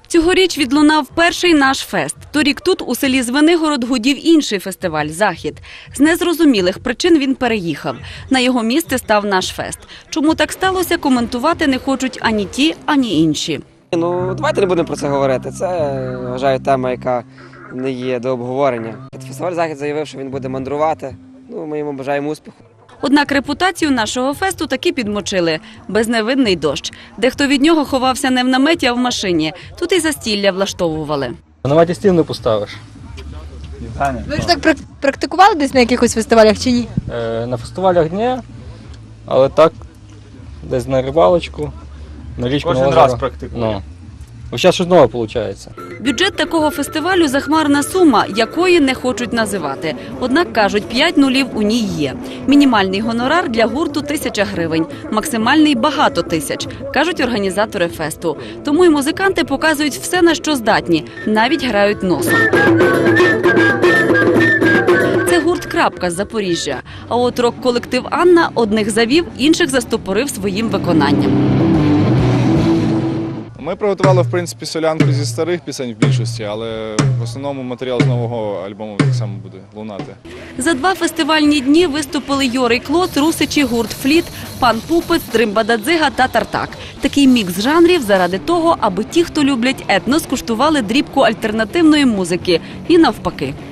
Цьогоріч відлунав перший наш фест. Торік тут, у селі Звенигород, гудів інший фестиваль «Захід». З незрозумілих причин він переїхав. На його місце став наш фест. Чому так сталося, коментувати не хочуть ані ті, ані інші. Давайте не будемо про це говорити. Це, вважаю, тема, яка не є до обговорення. Фестиваль «Захід» заявив, що він буде мандрувати. Ми йому бажаємо успіху. Однак репутацію нашого фесту таки підмочили. Безневинний дощ. Дехто від нього ховався не в наметі, а в машині. Тут і застілля влаштовували. На наметі стіл не поставиш. Ви ж так практикували десь на якихось фестивалях чи ні? На фестивалях ні, але так, десь на рибалочку, на річку, на озеро. Кожен раз практикую. Ось зараз щось нове виходить. Бюджет такого фестивалю – захмарна сума, якої не хочуть називати. Однак, кажуть, 5 нулів у ній є. Мінімальний гонорар для гурту – 1000 гривень. Максимальний – багато тисяч, кажуть організатори фесту. Тому і музиканти показують все, на що здатні. Навіть грають носом. Це гурт «Крапка» з Запоріжжя. А от рок-колектив «Анна» одних завів, інших застопорив своїм виконанням. Ми приготували, в принципі, солянку зі старих пісень в більшості, але в основному матеріал з нового альбому так само буде лунати. За 2 фестивальні дні виступили Йорий Клоц, Русичі, гурт «Фліт», Пан Пупець, Дримба-Дадзига та Тартак. Такий мікс жанрів заради того, аби ті, хто люблять етно, скуштували дрібку альтернативної музики. І навпаки.